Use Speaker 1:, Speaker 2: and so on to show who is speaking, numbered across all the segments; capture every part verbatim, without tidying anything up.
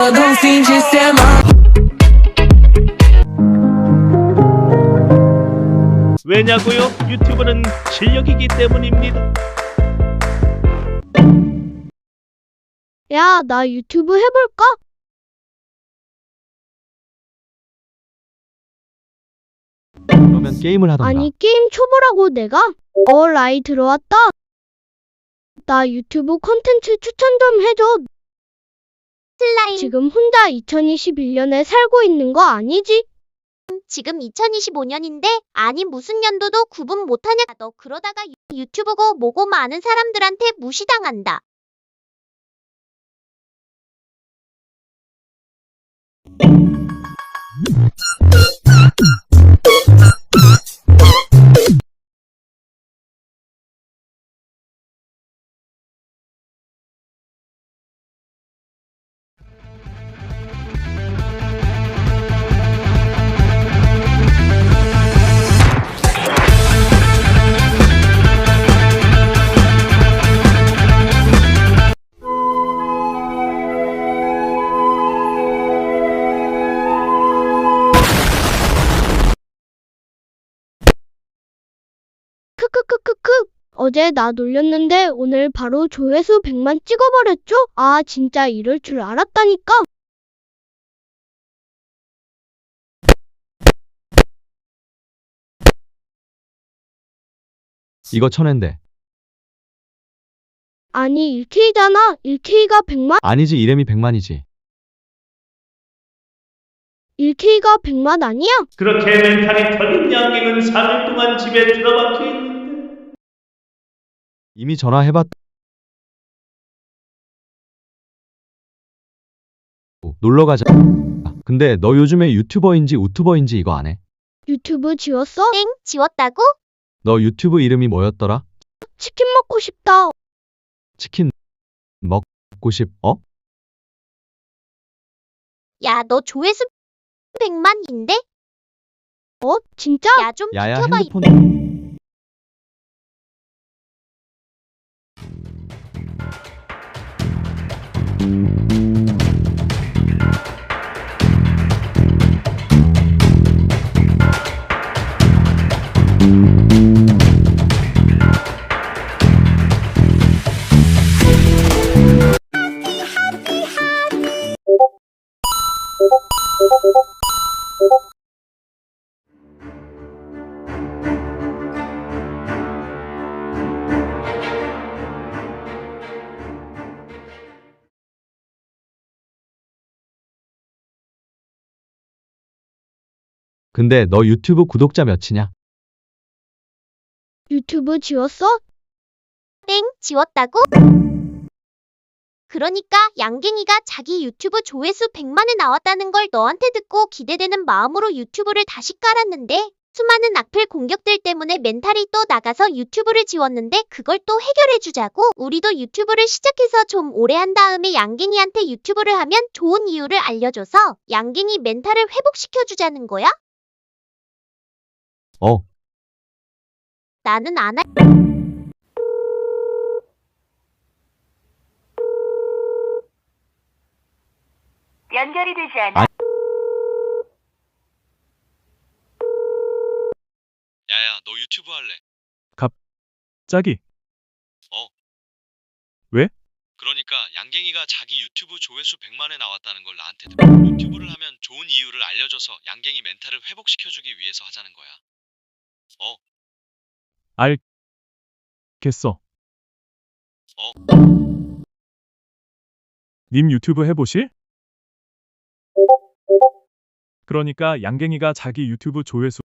Speaker 1: don't finge ser mal.
Speaker 2: 왜냐고요? 유튜브는 실력이기 때문입니다.
Speaker 3: 야, 나 유튜브 해볼까?
Speaker 4: 그러면 게임을 하던가.
Speaker 3: 아니, 게임 초보라고 내가? 어, 라이 들어왔다. 나 유튜브 콘텐츠 추천 좀 해줘.
Speaker 5: 슬라임,
Speaker 3: 지금 혼자 이천이십일 년에 살고 있는 거 아니지?
Speaker 5: 지금 이천이십오 년인데 아니 무슨 년도도 구분 못하냐. 너 그러다가 유- 유튜브고 뭐고 많은 사람들한테 무시당한다.
Speaker 3: 크크크크크. 어제 나 놀렸는데 오늘 바로 조회수 백만 찍어버렸죠? 아, 진짜 이럴 줄 알았다니까.
Speaker 4: 이거 천엔데.
Speaker 3: 아니, 일 케이잖아. 일 케이가 백만?
Speaker 4: 아니지, 이름이 백만이지.
Speaker 3: 일 케이가 백만 아니야?
Speaker 2: 그렇게 멘탈이 털린 양갱은 삼 일 동안 집에 들어박혀 있는데
Speaker 4: 이미 전화해봤. 놀러 가자. 근데 너 요즘에 유튜버인지 우튜버인지 이거 안 해?
Speaker 3: 유튜브 지웠어?
Speaker 5: 땡, 지웠다고?
Speaker 4: 너 유튜브 이름이 뭐였더라?
Speaker 3: 치킨 먹고 싶다.
Speaker 4: 치킨 먹고 싶, 어?
Speaker 5: 야, 너 조회수 백만인데?
Speaker 3: 어? 진짜?
Speaker 5: 야, 좀
Speaker 4: 야야
Speaker 5: 비켜봐.
Speaker 4: 핸드폰. 근데 너 유튜브 구독자 몇이냐?
Speaker 3: 유튜브 지웠어?
Speaker 5: 땡, 지웠다고? 그러니까 양갱이가 자기 유튜브 조회수 백만에 나왔다는 걸 너한테 듣고 기대되는 마음으로 유튜브를 다시 깔았는데 수많은 악플 공격들 때문에 멘탈이 또 나가서 유튜브를 지웠는데 그걸 또 해결해주자고 우리도 유튜브를 시작해서 좀 오래 한 다음에 양갱이한테 유튜브를 하면 좋은 이유를 알려줘서 양갱이 멘탈을 회복시켜주자는 거야?
Speaker 4: 어,
Speaker 5: 나는 안 할.
Speaker 6: 연결이 되지 않아.
Speaker 4: 아.
Speaker 7: 야야, 너 유튜브 할래?
Speaker 8: 짝이.
Speaker 7: 어.
Speaker 8: 왜?
Speaker 7: 그러니까 양갱이가 자기 유튜브 조회수 백만에 나왔다는 걸 나한테 듣고 유튜브를 하면 좋은 이유를 알려줘서 양갱이 멘탈을 회복시켜주기 위해서 하자는 거야. 어.
Speaker 8: 알겠어.
Speaker 7: 어.
Speaker 8: 님 유튜브 해보실? 그러니까 양갱이가 자기 유튜브 조회수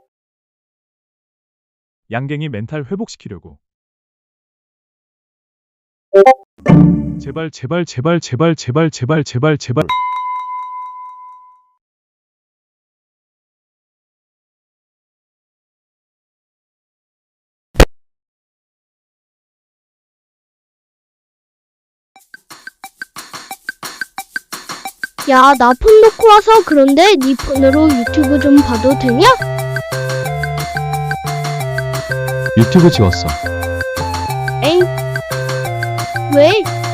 Speaker 8: 양갱이 멘탈 회복시키려고. 제발 제발 제발 제발 제발 제발 제발 제발.
Speaker 3: 야, 나 폰 놓고 와서 그런데 네 폰으로 유튜브 좀 봐도 되냐?
Speaker 4: 유튜브 지웠어.
Speaker 3: 엥? 왜?